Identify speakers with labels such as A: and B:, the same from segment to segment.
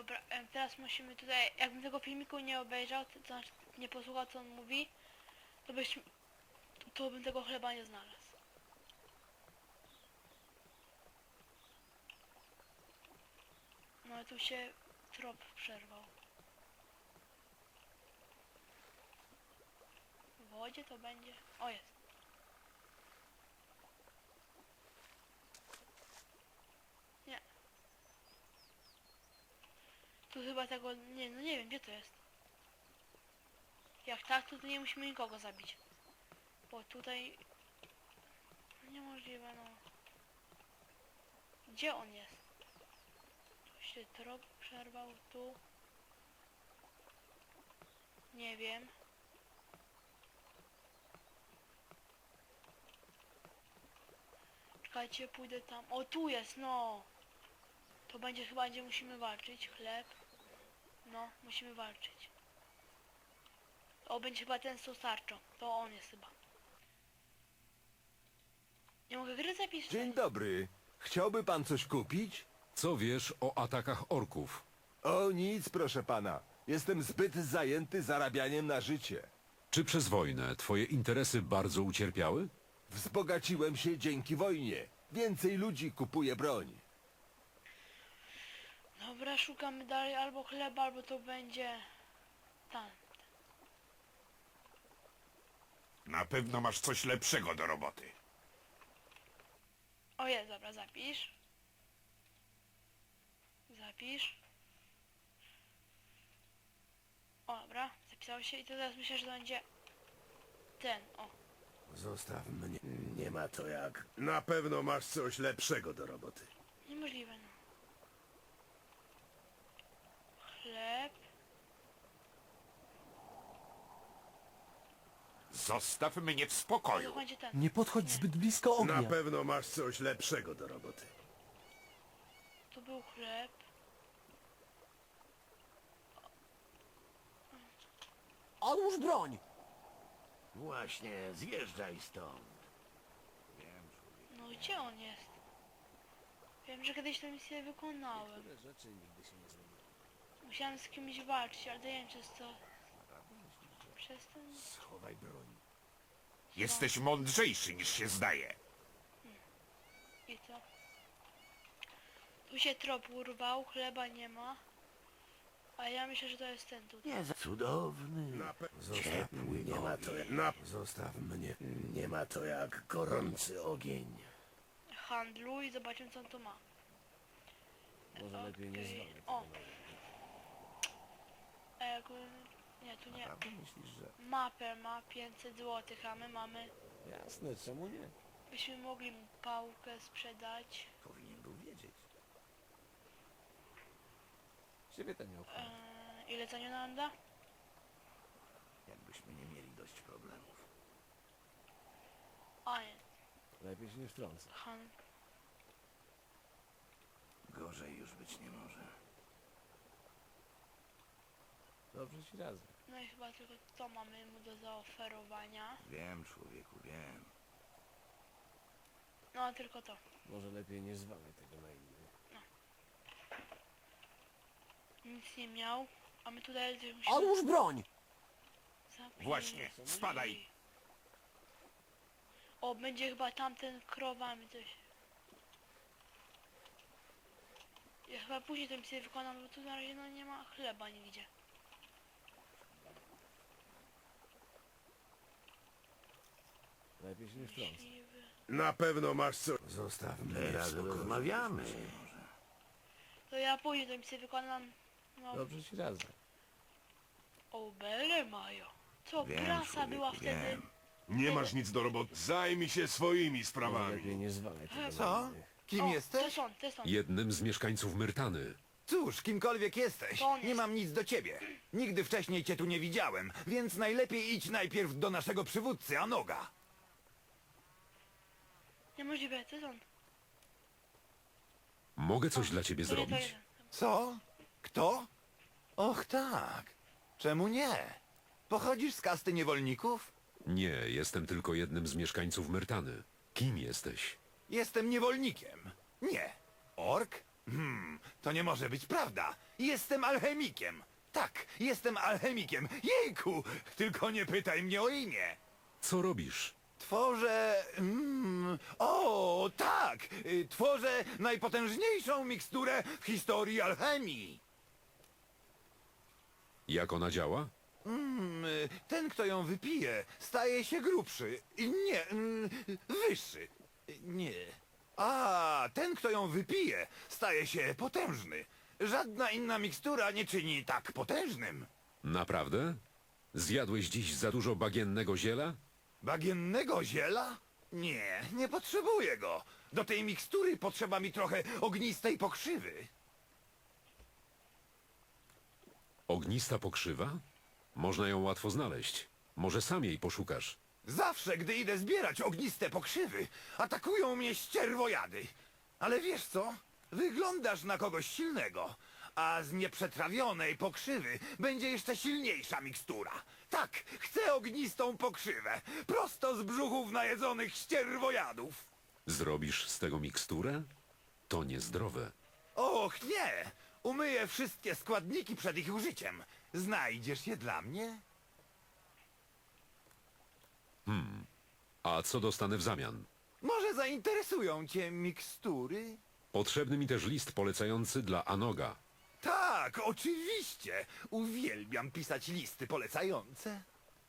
A: Dobra, teraz musimy tutaj, jakbym tego filmiku nie obejrzał, to znaczy nie posłuchał co on mówi, to bym tego chleba nie znalazł. No tu się trop przerwał. W wodzie to będzie... O, jest. Nie. Tu chyba tego... Nie, no nie wiem, gdzie to jest. Jak tak, to tu nie musimy nikogo zabić. Bo tutaj... Niemożliwe, no. Gdzie on jest? Tu się trop przerwał, tu... Nie wiem. Czekajcie, pójdę tam. O, tu jest, no! To będzie chyba, gdzie musimy walczyć. Chleb. No, musimy walczyć. O, będzie chyba ten z tą tarczą. To on jest chyba. Nie mogę gry zapisać.
B: Dzień dobry. Chciałby pan coś kupić?
C: Co wiesz o atakach orków?
B: O nic, proszę pana. Jestem zbyt zajęty zarabianiem na życie.
C: Czy przez wojnę twoje interesy bardzo ucierpiały?
B: Wzbogaciłem się dzięki wojnie. Więcej ludzi kupuje broń.
A: Dobra, szukamy dalej albo chleba, albo to będzie... Tam.
D: Na pewno masz coś lepszego do roboty.
A: O jest, dobra, zapisz. Zapisz. O, dobra, zapisało się i to teraz myślę, że to będzie... Ten, o.
E: Zostaw mnie. Nie ma to jak. Na pewno masz coś lepszego do roboty.
A: Niemożliwe, no. Chleb.
D: Zostaw mnie w
A: To
D: spokoju.
A: będzie ten.
F: Nie podchodź zbyt blisko ognia.
E: Na pewno masz coś lepszego do roboty.
A: To był chleb.
F: Odłóż broń!
E: Właśnie, zjeżdżaj stąd.
A: No gdzie on jest? Wiem, że kiedyś tę misję wykonałem. Musiałem z kimś walczyć, ale nie wiem przez co. Przez ten...
E: Schowaj broń.
D: Jesteś mądrzejszy niż się zdaje.
A: I co? Tu się trop urwał, chleba nie ma. A ja myślę, że to jest ten tutaj.
E: Nie za cudowny. Ciepły, nie ma to jak. Zostaw mnie. Nie ma to jak gorący ogień.
A: Handluj i zobaczymy co on tu ma.
F: Może lepiej nie
A: Okej.
F: zwalę
A: O!
F: tego
A: Nie, tu nie.
F: Myślisz, że...
A: Mapę ma 500 zł, a my mamy...
F: Jasne, czemu nie?
A: Byśmy mogli mu pałkę sprzedać.
E: Powinien był wiedzieć.
F: Ciebie to nie obchodzi.
A: Ile za nią nam da?
E: Jakbyśmy nie mieli dość problemów.
A: A nie,
F: Lepiej się nie wtrącę.
E: Gorzej już być nie może.
F: Dobrze ci radzę.
A: No i chyba tylko to mamy mu do zaoferowania.
E: Wiem, człowieku, wiem.
A: No tylko to.
F: Może lepiej nie zwalę tego na innych.
A: Nic nie miał, a my tutaj musimy...
F: Odłóż broń!
A: Zapnij.
D: Właśnie, spadaj.
A: O, będzie chyba tamten krowami coś. Ja chyba później tę misję wykonam, bo tu na razie no nie ma chleba nigdzie.
F: Lepiej się nie wtrącę.
A: Myśliwy.
E: Na pewno masz coś. Zostaw mnie. Teraz rozmawiamy.
A: To ja później tę misję wykonam. No,
F: Dobrze ci radzę.
A: o, bele mają. Co,
E: Wiem,
A: prasa
E: człowieku,
A: była wtedy?
E: wiem.
D: Nie masz nic do roboty. Zajmij się swoimi
F: Może
D: sprawami.
F: lepiej nie zwalę tego
G: Co?
F: na innych.
G: Kim
A: O,
G: jesteś?
A: To jest on.
C: Jednym z mieszkańców Myrtany.
G: Cóż, kimkolwiek jesteś,
A: To on
G: nie
A: jest.
G: mam nic do ciebie. Nigdy wcześniej cię tu nie widziałem, więc najlepiej idź najpierw do naszego przywódcy, Anoga.
A: Niemożliwe, to jest on.
C: Mogę coś dla ciebie
A: To nie to
C: zrobić?
A: jeden.
G: Co? Kto? Och tak. Czemu nie? Pochodzisz z kasty niewolników?
C: Nie, jestem tylko jednym z mieszkańców Myrtany. Kim jesteś?
G: Jestem niewolnikiem. Nie. Ork? To nie może być prawda. Jestem alchemikiem. Tak, jestem alchemikiem. Jejku! Tylko nie pytaj mnie o imię.
C: Co robisz?
G: Tworzę... o, tak! Tworzę najpotężniejszą miksturę w historii alchemii.
C: Jak ona działa?
G: Ten, kto ją wypije, staje się grubszy. Nie, wyższy. Nie. A, ten, kto ją wypije, staje się potężny. Żadna inna mikstura nie czyni tak potężnym.
C: Naprawdę? Zjadłeś dziś za dużo bagiennego ziela?
G: Bagiennego ziela? Nie, nie potrzebuję go. Do tej mikstury potrzeba mi trochę ognistej pokrzywy.
C: Ognista pokrzywa? Można ją łatwo znaleźć. Może sam jej poszukasz.
G: Zawsze, gdy idę zbierać ogniste pokrzywy, atakują mnie ścierwojady. Ale wiesz co? Wyglądasz na kogoś silnego. A z nieprzetrawionej pokrzywy będzie jeszcze silniejsza mikstura. Tak, chcę ognistą pokrzywę. Prosto z brzuchów najedzonych ścierwojadów.
C: Zrobisz z tego miksturę? To niezdrowe.
G: Och, nie! Umyję wszystkie składniki przed ich użyciem. Znajdziesz je dla mnie?
C: A co dostanę w zamian?
G: Może zainteresują cię mikstury?
C: Potrzebny mi też list polecający dla Anoga.
G: Tak, oczywiście. Uwielbiam pisać listy polecające.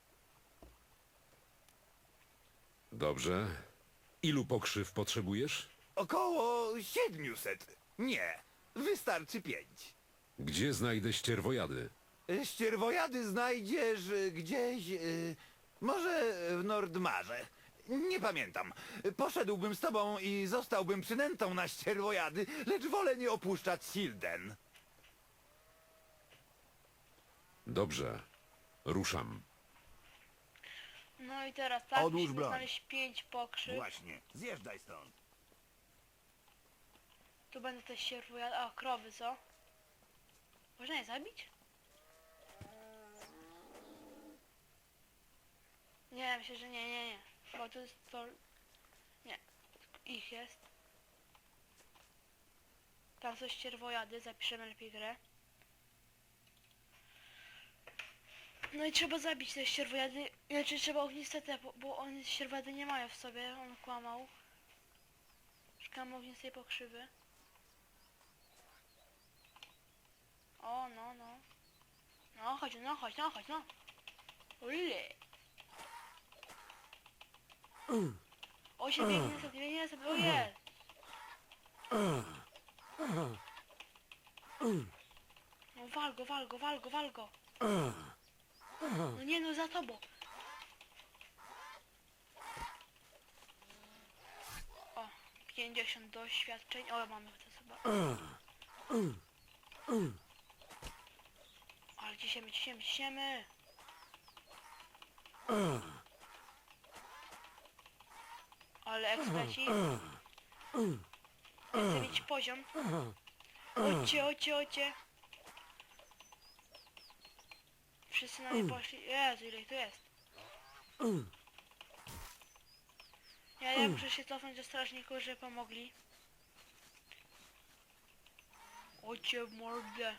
C: Dobrze. Ilu pokrzyw potrzebujesz?
G: Około 700. Nie, wystarczy 5.
C: Gdzie znajdę ścierwojady?
G: Ścierwojady znajdziesz gdzieś... może w Nordmarze. Nie pamiętam. Poszedłbym z tobą i zostałbym przynętą na ścierwojady, lecz wolę nie opuszczać Silden.
C: Dobrze. Ruszam.
A: No i teraz tak,
E: Odłóż
A: musimy
E: broń.
A: znaleźć 5 pokrzyw.
E: Właśnie, zjeżdżaj stąd.
A: Tu będę też się a krowy, co? Można je zabić? Nie, myślę, że nie. Bo to jest to... Nie. Ich jest. Tam są ścierwojady, zapiszemy lepiej grę. No i trzeba zabić te ścierwojady. Znaczy trzeba ogniste te, bo one ścierwojady nie mają w sobie, on kłamał. Szukamy ognistej pokrzywy. O, no. No, chodź. Ule. O, się biegnie sobie, o jest. No wal go. No nie, no za tobą. O, 50 doświadczeń. O, mamy to chyba. Ale ciśniemy. Ale eksperci. Chcę mieć poziom. Chodźcie. Wszyscy na mnie poszli. Jezu, ile ich tu jest. Ja muszę się cofnąć do strażników, żeby pomogli. Chodźcie w mordę.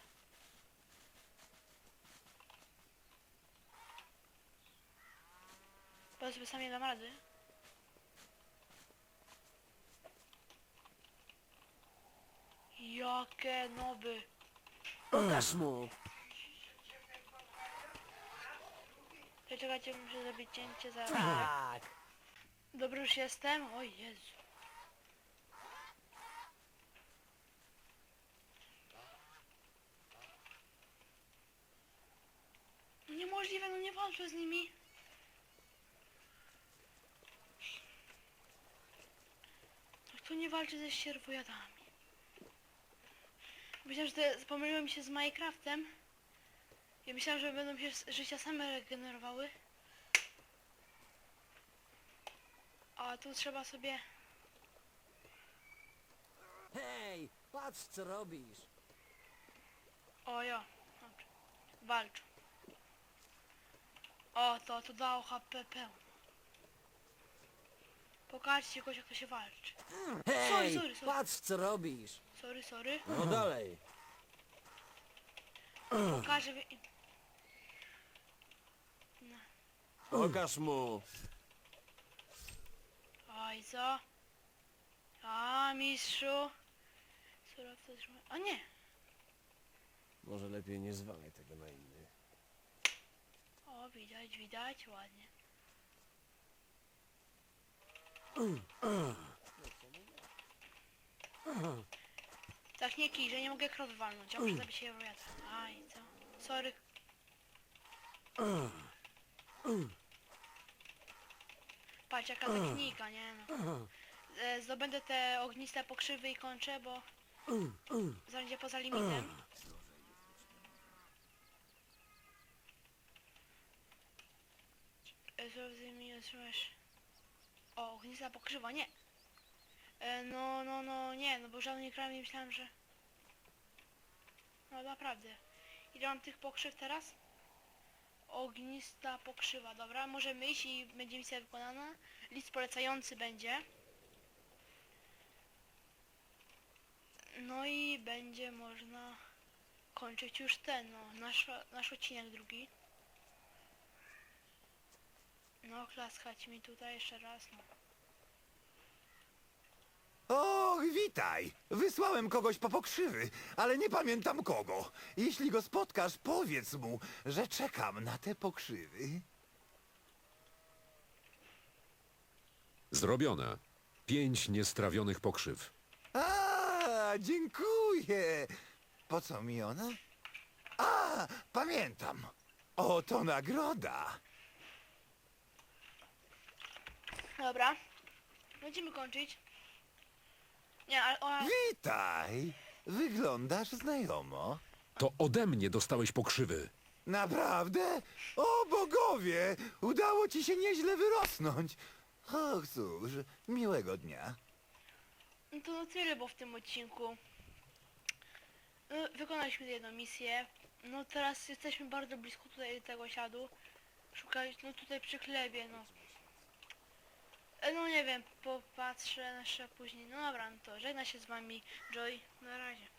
A: Bo sobie sam nie dam rady. Jakie noby.
E: Pokaż mu.
A: Czekajcie, muszę zrobić cięcie za...
E: Tak.
A: Dobry już jestem? O Jezu. No niemożliwe, no nie walczę z nimi. No kto nie walczy ze ścierwojadami? Myślałem, że pomyliłem się z Minecraftem. Ja myślałem, że będą się życia same regenerowały. A tu trzeba sobie...
E: Hej, patrz co robisz.
A: O ja, dobrze. Walcz. O, to dało HP pełno. Pokażcie kogoś, jak to się walczy.
E: Hej,
A: Sorry.
E: patrz co robisz.
A: Sorry.
E: No dalej.
A: pokażę...
F: Pokaż mu!
A: Oj, co? A, mistrzu. Surowce trzymaj... O nie!
F: Może lepiej nie zwalaj tego na innych.
A: O, widać, widać, ładnie. Tak nie kij, że nie mogę krot walnąć, a muszę zabić się wojata. Aj, co? Sorry. Patrz, jaka technika, nie no. Zdobędę te ogniste pokrzywy i kończę, bo... Będzie poza limitem. Zrozumie, otrzymasz... O, ognista pokrzywa, nie! No, nie, no bo żadnej kramy myślałem, że... No naprawdę. Ile mam tych pokrzyw teraz? Ognista pokrzywa, dobra, możemy iść i będzie misja wykonana. List polecający będzie. No i będzie można kończyć już ten, no, nasz odcinek drugi. No, klaskać mi tutaj jeszcze raz, no.
G: Och, witaj! Wysłałem kogoś po pokrzywy, ale nie pamiętam kogo. Jeśli go spotkasz, powiedz mu, że czekam na te pokrzywy.
C: Zrobione. 5 niestrawionych pokrzyw.
G: A, dziękuję. Po co mi ona? A, pamiętam. Oto nagroda.
A: Dobra. Będziemy kończyć. Nie, ale ona...
G: Witaj! Wyglądasz znajomo.
C: To ode mnie dostałeś pokrzywy.
G: Naprawdę? O bogowie! Udało ci się nieźle wyrosnąć. Och, cóż, miłego dnia.
A: No to na tyle było w tym odcinku. No, wykonaliśmy jedną misję. No teraz jesteśmy bardzo blisko tutaj tego siadu. Szukać, no tutaj przy chlebie, no. No nie wiem, popatrzę jeszcze później. No dobra, no to żegna się z wami Joy. Na razie.